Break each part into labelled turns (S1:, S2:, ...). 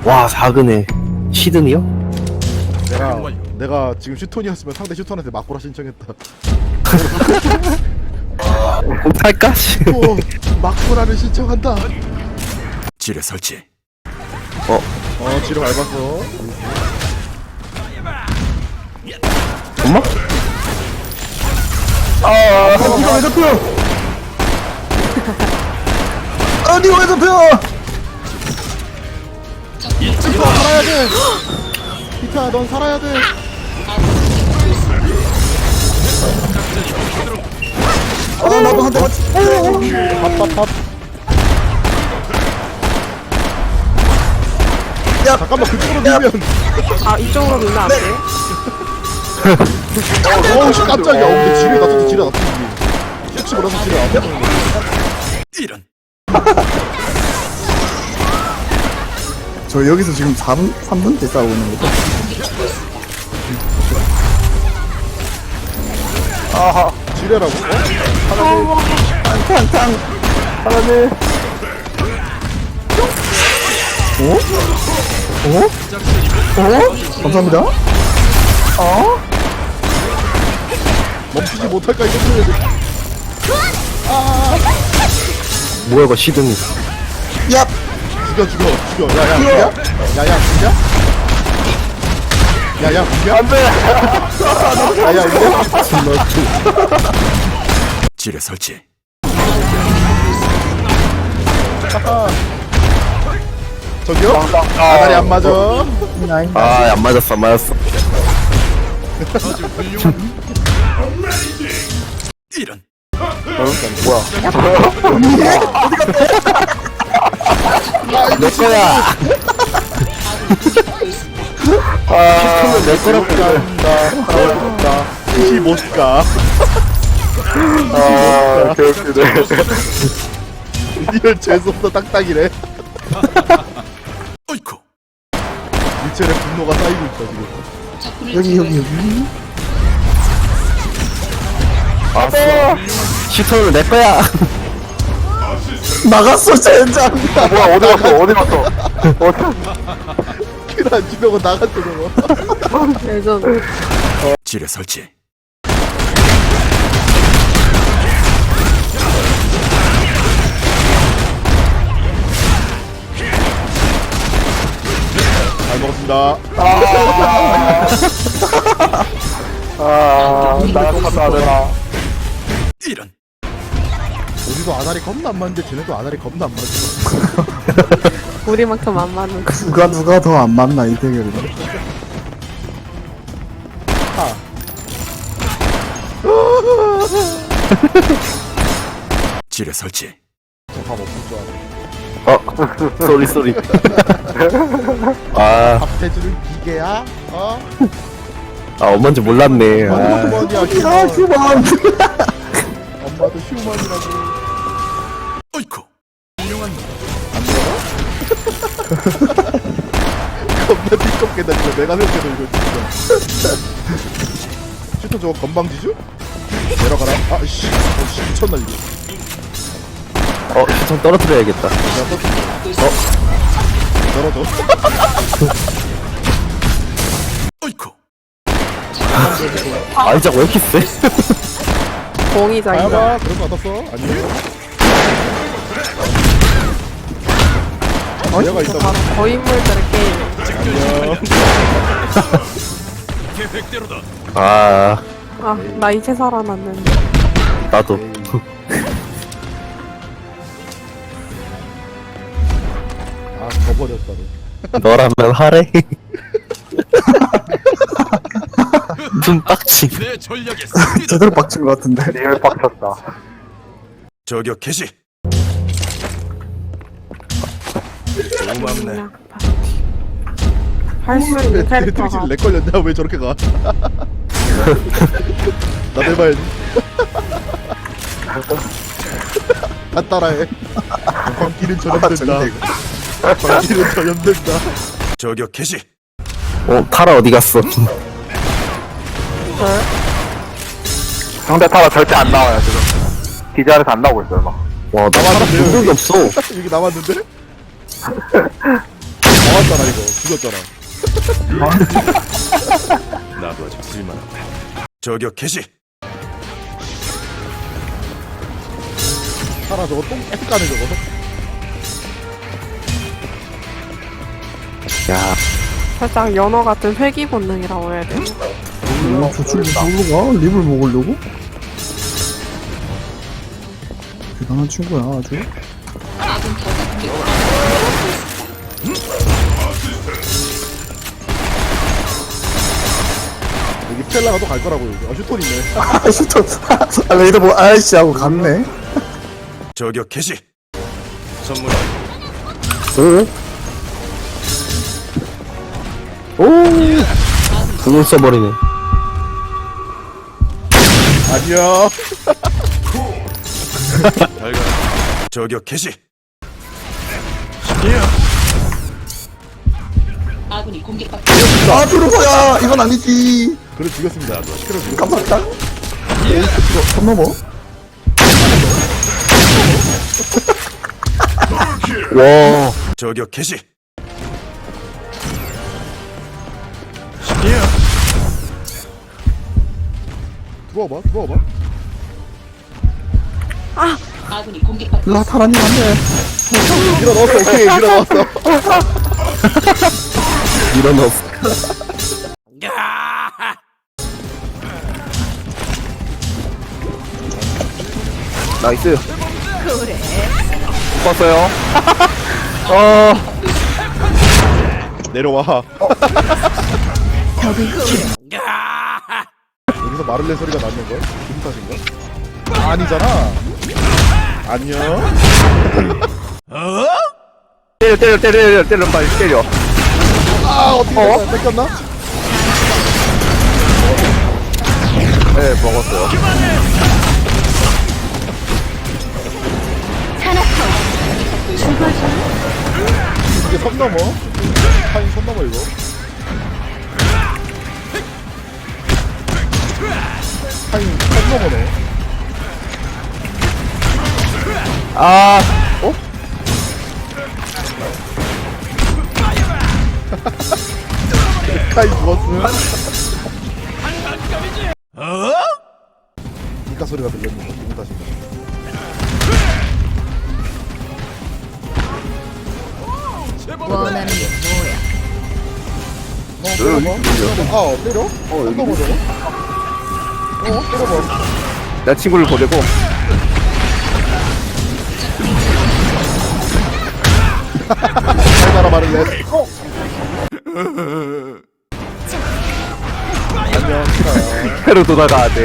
S1: 와, 4근에 시드니요?
S2: 내가 지금 슈톤이었으면 상대 슈톤한테 막고라 신청했다.
S1: 탈까?
S2: 또 막고라를 신청한다.
S3: 지뢰 설치.
S2: 지뢰 밟았어.
S1: 엄마?
S4: 니가 왜 잡혀? 니가 왜 잡혀?
S2: 피타 살아야 돼. 피타 넌 살아야 돼.
S4: 나도 한 대 맞지.
S2: 밥밥밥.
S4: 야,
S2: 잠깐만 그쪽으로 밀면.
S5: 아 이쪽으로 밀면 안 돼요?
S2: 어우 씨 깜짝이야. 근데 지뢰 놔뒀지 지뢰 놔뒀지. 혹시 몰라서 지뢰 안 놔뒀는 거야.
S3: 이런.
S4: 저 여기서 지금 3분째 싸우고 있는 거죠?
S2: 지뢰라고?
S4: 탕탕. 하나네. 감사합니다.
S2: 멈추지 못할까 이거.
S1: 뭐야, 이거 시드니.
S4: 야,
S2: 죽여. 야야 죽여. 야야 죽여. 야야 죽여. 안돼. 야야 죽여.
S3: 지뢰 설치.
S2: 저기요? 아다리 안 맞아.
S1: 아, 안 맞았어, 안 맞았어.
S3: 이런.
S1: 내 거야. 내 거라고.
S2: 간다. 이 못 가.
S1: 개웃기네.
S2: 리얼 재수없어 딱딱이래.
S3: 어이쿠.
S2: 미첼의 분노가 쌓이고 있다 지금.
S4: 여기.
S1: 시트는 내 거야.
S4: 나갔어, 젠장.
S1: 뭐야, 어디 갔어?
S2: 킬안 주려고 나갔어 저거.
S5: 예전
S3: 지뢰 설치.
S2: 잘 먹었습니다.
S3: 이런.
S2: 우리도 아다리 겁나 안 맞는데 쟤네도 아다리 겁나 안 맞아.
S5: 우리만큼 안 맞는 거.
S4: 누가 더 안 맞나, 이 대결은.
S3: 지뢰 설치.
S2: 저밥 없을 줄 알아.
S1: 쏘리. 아,
S2: 밥 해주는 기계야?
S1: 엄마인지 몰랐네.
S2: 엄마도
S1: 아,
S2: 휴먼이야
S4: 야,
S2: 휴먼.
S4: 휴먼.
S2: 엄마도 휴먼이라고.
S3: 어이쿠.
S2: 겁나 띠껍게 다니네. 내가 생각해도 이거 진짜. 슈터 저거 건방지죠? 내려가라. 아씨, 미쳤나 이거.
S1: 시선 떨어뜨려야겠다.
S2: 떨어져.
S3: 어이쿠.
S1: 아이작 왜 이렇게 세?
S5: 공이자 이거.
S2: 가야봐. 그런 거 어떻어? 아니요. 내가 있다고.
S5: 거인물들의 게임.
S2: 안녕.
S3: 계획대로다.
S1: 아,
S5: 나 이제 살아났는데.
S1: 나도.
S2: 져버렸다 너.
S1: 너라면 하래? 좀 빡치.
S3: 내 전략에 씁니다.
S4: 제대로 빡친 것 같은데.
S3: 저격 개시. 고맙네.
S5: 할 수 있는 캐릭터가
S2: 트릭실 렉 걸렸냐? 왜 저렇게 가? 나도 해봐야지. 다 따라해. 광기는 전염된다. 광기는 전염된다.
S3: 저격 개시.
S1: 타라 어디 갔어?
S6: 상대 타라 절대 안 나와요 지금. 기자에서 안 나오고 있어요 막.
S1: 와, 나 타라 본 적이 없어.
S2: 여기 남았는데? 나왔잖아 이거. 죽였잖아.
S3: 나도 아직 쓸만하다. 저격 개시.
S2: 타라 저거 똥 계속 까네 저거.
S1: 야,
S5: 살짝 연어 같은 회귀 본능이라고 해야 되나?
S4: 저 친구 저기로 가? 립을 먹으려고? 대단한 친구야 아주.
S2: 여기 스텔라가 또 갈 거라고 여기. 아 슈톤 있네.
S4: 아 슈터. 아 레이더 뭐 아이씨 하고 갔네.
S3: 저격 개시. 선물.
S1: 오, 궁을 써버리네.
S2: 아니야.
S3: 잘 가. 저격 개시.
S7: 아군이 공격받고
S4: 아 들어가야 이건 아니지.
S2: 그래 죽였습니다. 나도 시끄러 죽였.
S4: 깜짝이야. 이거 선 넘어.
S1: 와,
S3: 저격 개시.
S2: 들어와봐 들어와봐.
S7: 아군이 공격받고
S4: 라타라님 안돼.
S2: 밀어 넣었어. 오케이 밀어 넣었어.
S1: 밀어넣었어. 나이스. 봤어요.
S2: 내려와. 여기서 마를레 소리가 나는 걸? 기분 탓인가? 아니잖아. 안녕.
S6: 때려, 빨리 때려.
S2: 아 어떻게 됐어? 뺏겼나?
S6: 네, 먹었어요.
S2: 이게 선 넘어? 타인 선 넘어 이거. 타인 선 넘어네.
S1: 아,
S2: 타인 죽었음. 니까 소리가 들렸는데 기분 탓인가?
S7: 원하는 게
S2: 때려봐. 아 때려? 선 넘어 저거? 때려봐.
S6: 내 친구를 보내고.
S2: 잘 가라 마를레. 안녕 키라야.
S6: 패로 돌아가야 돼.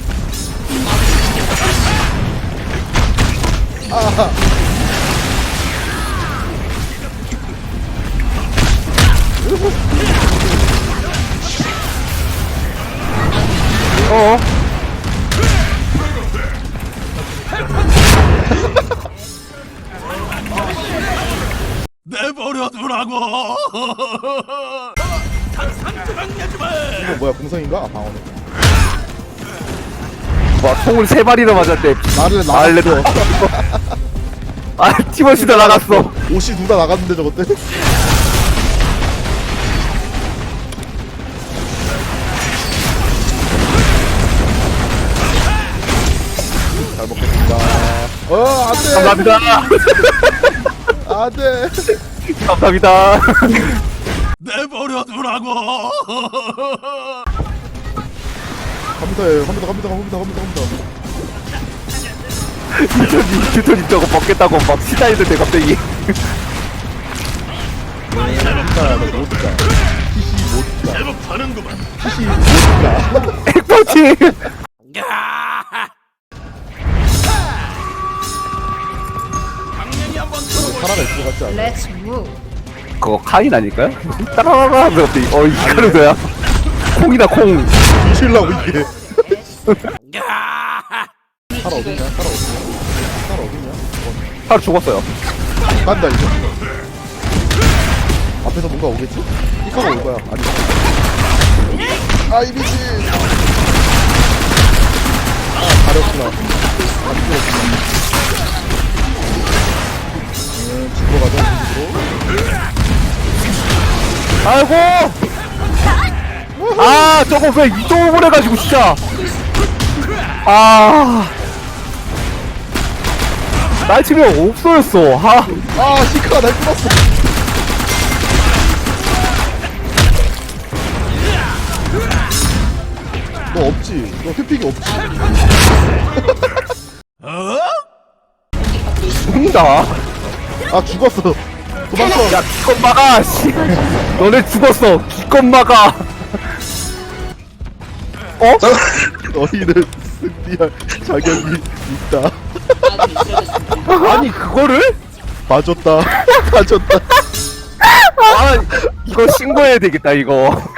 S3: 내버려 두라고.
S2: 이거 뭐야 공성인가? 아 방어네.
S6: 와, 총을 3발이나 맞았대.
S2: 마를레
S6: 마를레
S2: 나갔어.
S6: 아, 티머시도 나갔어.
S2: 옷이 둘 다 나갔는데 저것 때? 잘 먹겠습니다. 안돼.
S6: 감사합니다.
S2: 안돼.
S6: 감사합니다.
S3: 내버려 두라고.
S2: 갑니다.
S6: 휴톤이 저거 먹겠다고 막 시다이던데 갑자기.
S2: 못 가. PC 못 가.
S3: 제법 하는구만.
S2: PC 못 가.
S6: 핵펀치.
S2: 사람가 있을 것 같지 않아?
S7: Let's move.
S6: 그거 카인 아닐까요? 따라라라 하면서 갑자기 이 카르도야. 콩이다 콩.
S2: 뒤질라고 이게. 살아 어딨냐? 살아 어딨냐?
S6: 하루 죽었어요.
S2: 깐다 이거. 앞에서 뭔가 오겠지? 이카가 올 거야. 아니. 아 이미지. 아 가렸구나. 안 죽었구나. 집으로 가자. 집으로.
S6: 아이고! 아, 저거 왜 이동을 해가지고, 진짜! 아. 날치면 없어졌어.
S2: 아 시크가 날 끊었어. 너 없지? 너 회픽이 없지?
S6: 죽는다.
S2: 아 죽었어. 도망쳐.
S6: 야, 기껏 막아, 씨. 너네 죽었어. 기껏 막아. 어?
S2: 너희는 승리할 자격이 있다.
S7: 아군이 쓰러졌습니다.
S6: 아니, 그거를?
S2: 봐줬다. 봐줬다.
S6: 아, 이거 신고해야 되겠다, 이거.